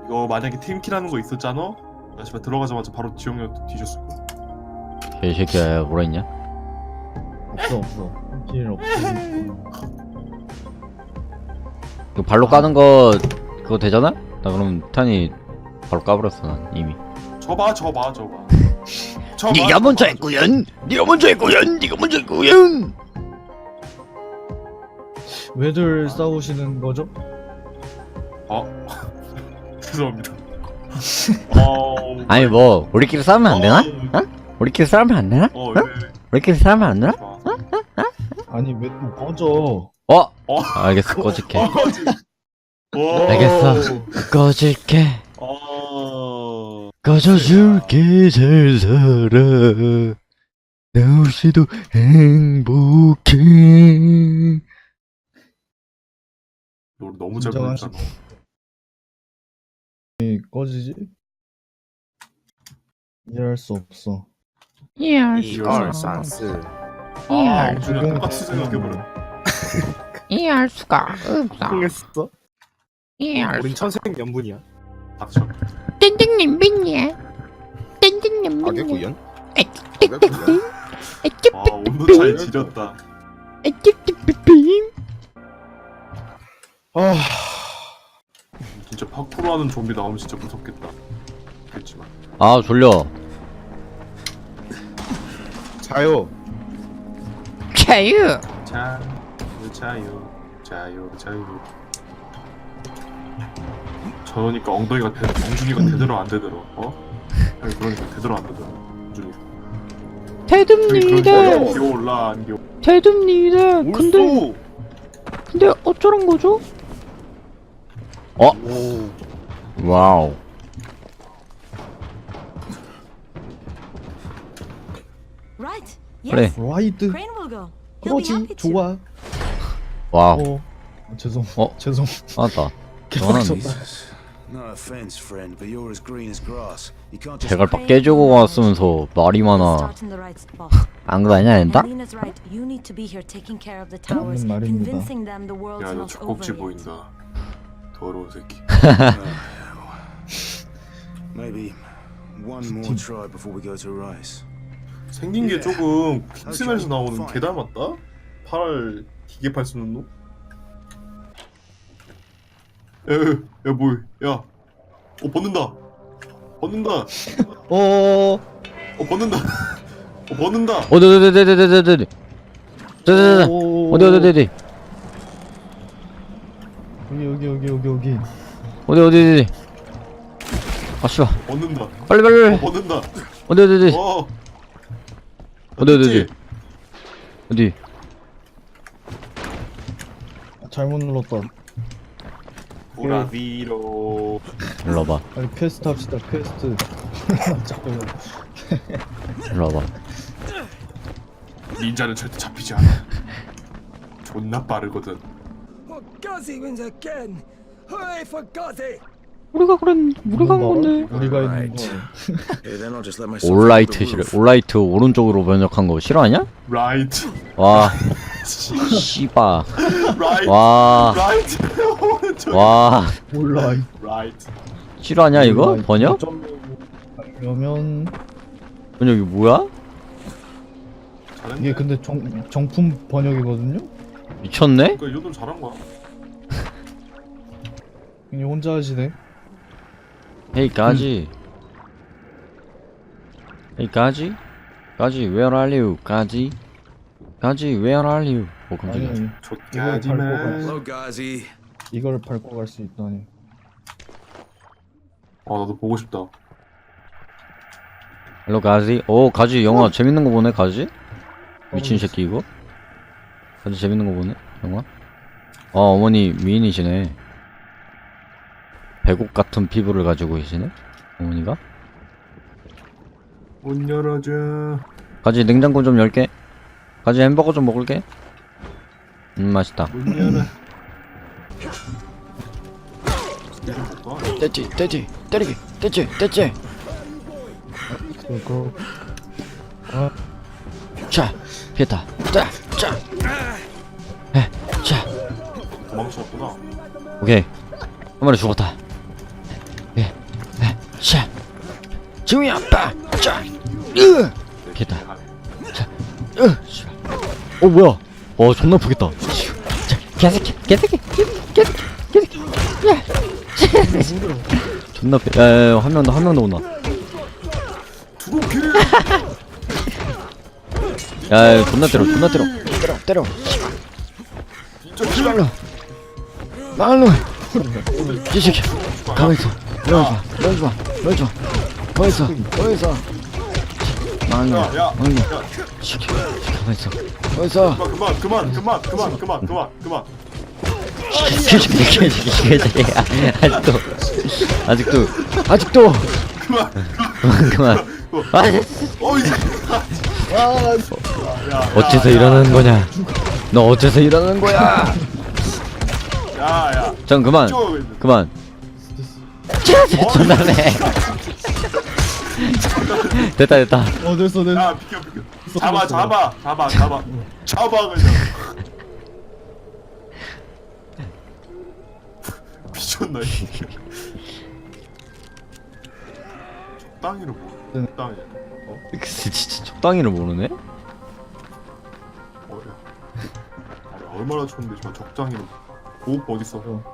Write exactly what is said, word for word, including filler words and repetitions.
이거 만약에 팀키라는 거 있었잖아? 나 씨발 들어가자마자 바로 지영이한테 뒤졌을 거야. 개새끼야 뭐라 했냐? 없어 없어. 길 없어. 그 발로 까는 거 그거 되잖아? 나 그럼 탄이 바로 까버렸어 난 이미. 저봐 저봐 저봐. 저봐, 네가 저봐, 먼저 저봐. 했구연. 네가 먼저 했구연. 네가 먼저 했구연. 왜들 싸우시는 거죠? 어? 죄송합니다. 어... 아니 뭐 우리끼리 싸우면 안 되나? 어? 우리끼리 싸우면 안 되나? 어, 어? 네. 우리끼리 싸우면 안 되나? 좋아. 아니 왜 또 꺼져? 어? 어? 알겠어 꺼질게. 어, 지- 오. 알겠어. 꺼질게. 어... 꺼져줄게 잘 살아. 나 없이도 행복해. 너 너무 잘 진정한 부르잖아. 왜 꺼지지? 이해할 수 없어. 이해할 이해할 수가 수 없어. 아, 이해할 우준이 수가 똑같이 생각해버려. 이해할 수가 없어. 통했어? 이해할 우린 수가. 천생연분이야. 닥쳐. 땡땡님 믿니? 땡땡님 믿니? 악의구연? 땡땡땡. 아, 온도 차이 지렸다. 땡땡땡. 아, 진짜 파쿠르하는 좀비 나오면 진짜 무섭겠다. 그렇지만. 아 졸려. 자요. 자유. 자, 자유, 자유, 자유. 저러니까 엉덩이가 대, 엉준이가 되더라 안 되더라. 어? 아니 그러니까 되더라 안 되더라. 엉준이. 대듭니다. 그러니까 기어올라 안 기어. 대듭니다. 근데 올수. 근데 어쩌란 거죠? 어? 오. 와우. Right. 그래. Yes. 라이드. Crane will go. He'll be 그러지. happy to. 좋아. 와우. 어. 아, 죄송. 어? 죄송. 맞다. 개빡쳤다. No offense, friend, but you're as green as grass. You can't just 제갈 빡 깨주고 왔으면서 말이 많아. Start in the right spot. 안 그러냐 된다? Alina's right. You need to be here taking care of the towers, 맞는 말입니다. convincing them the world's 야, 너 not 젖꼭지 over yet. 보인다. 더러운 새끼. maybe one more try before we go to Rice. 생긴 게 조금 킹스맨에서 나오는 개 닮았다? 팔 기계 팔 쓰는 놈? 야, 야, 야, 뭐야? 야, 어 벗는다. 벗는다. 어. 어 벗는다. 어 벗는다. 어디 어디 어디 어디 어디 어디 어디 어디 어디 어디 여기 여기 여기 여기 여기. 어디 어디 어디 아 씨발 벗는다. 빨리 빨리 어 빨리 벗는다. 어디 어디 어디 어. 어디 어디 됐지? 어디 어디 아, 잘못 눌렀다. 보라비로. 일로 와봐 빨리 퀘스트 합시다. 퀘스트. 잠깐만. 일로 와봐 닌자는 절대 잡히지 않아. 존나 빠르거든. Gazi wins again! Hooray for Gazi! 우리가 그런 우리가 한 건데 우리가 있는 거. Hey, then I'll just let myself 올라이트 off the 싫어 roof. 올라이트 오른쪽으로 번역한 거 싫어하냐? 라이트. 와 씨바 라이트. 와 라이트. 오른쪽. 와 몰라. 라이트. 싫어하냐 이거? 번역? 그러면 번역이 뭐야? 잘했네. 이게 근데 정 정품 번역이거든요. 미쳤네? 그러니까 이 정도면 잘한 거야. 그냥 혼자 하시네. 헤이 까지 헤이 까지? 까지 where are you? 까지? 까지 where are you? 오 아니 깜짝이야 아니. 족가지만. Hello, Gazi. 이걸 밟고 갈 수 있다니. 아 나도 보고 싶다. 헬로 가지? 오 가지 영화 재밌는 거 보네 가지? 미친 새끼 이거? 가지 재밌는 거 보네 영화? 아 어머니 미인이시네 배곡 같은 피부를 가지고 계시네 어머니가? 문 열어줘. 가지 냉장고 좀 열게 가지 햄버거 좀 먹을게 음 맛있다 문 열어. 이좀 볼까? 떼지 떼지 때리기 떼지 떼지 그거. 아, 자 피했다 자자 자 도망쳤구나. 오케이 한 마리 죽었다 예 지웅이야 빠짜 으 됐다 자으 어 뭐야 어 존나 아프겠다 자 개새끼 개새끼 개새끼 개새끼 야 존나 아파 야야야 한 명 더 한 명 더 온다 두루필. 야 존나 때려 존나 때려 때려 때려 진짜 씨발로 말로 이 새끼 가만있어 넣어줘 넣어줘 넣어줘 넣어있어 넣어있어 말로 야, 야, 말로 야. 새끼 가만있어 넣어있어 그만 그만 그만 그만 그만 그만 그만. 개새끼 개새끼 개새끼 아직도 아직도 아직도 그만. 그만 그만 아 어 이제. 어째서 이러는 거냐 너 어째서 이러는 거야 야야. 전 그만 그만 존나네 됐다 됐다 어 됐어 됐어. 야 비켜 비켜. 잡아 잡아 잡아 잡아 잡아 그냥. 미쳤나 이 새끼. 적당히를 뭐. 적당히. 어? 진짜 적당히를 모르네 어야. 아니, 얼마나 좋은데 저 적당히를. 보호법 어딨어?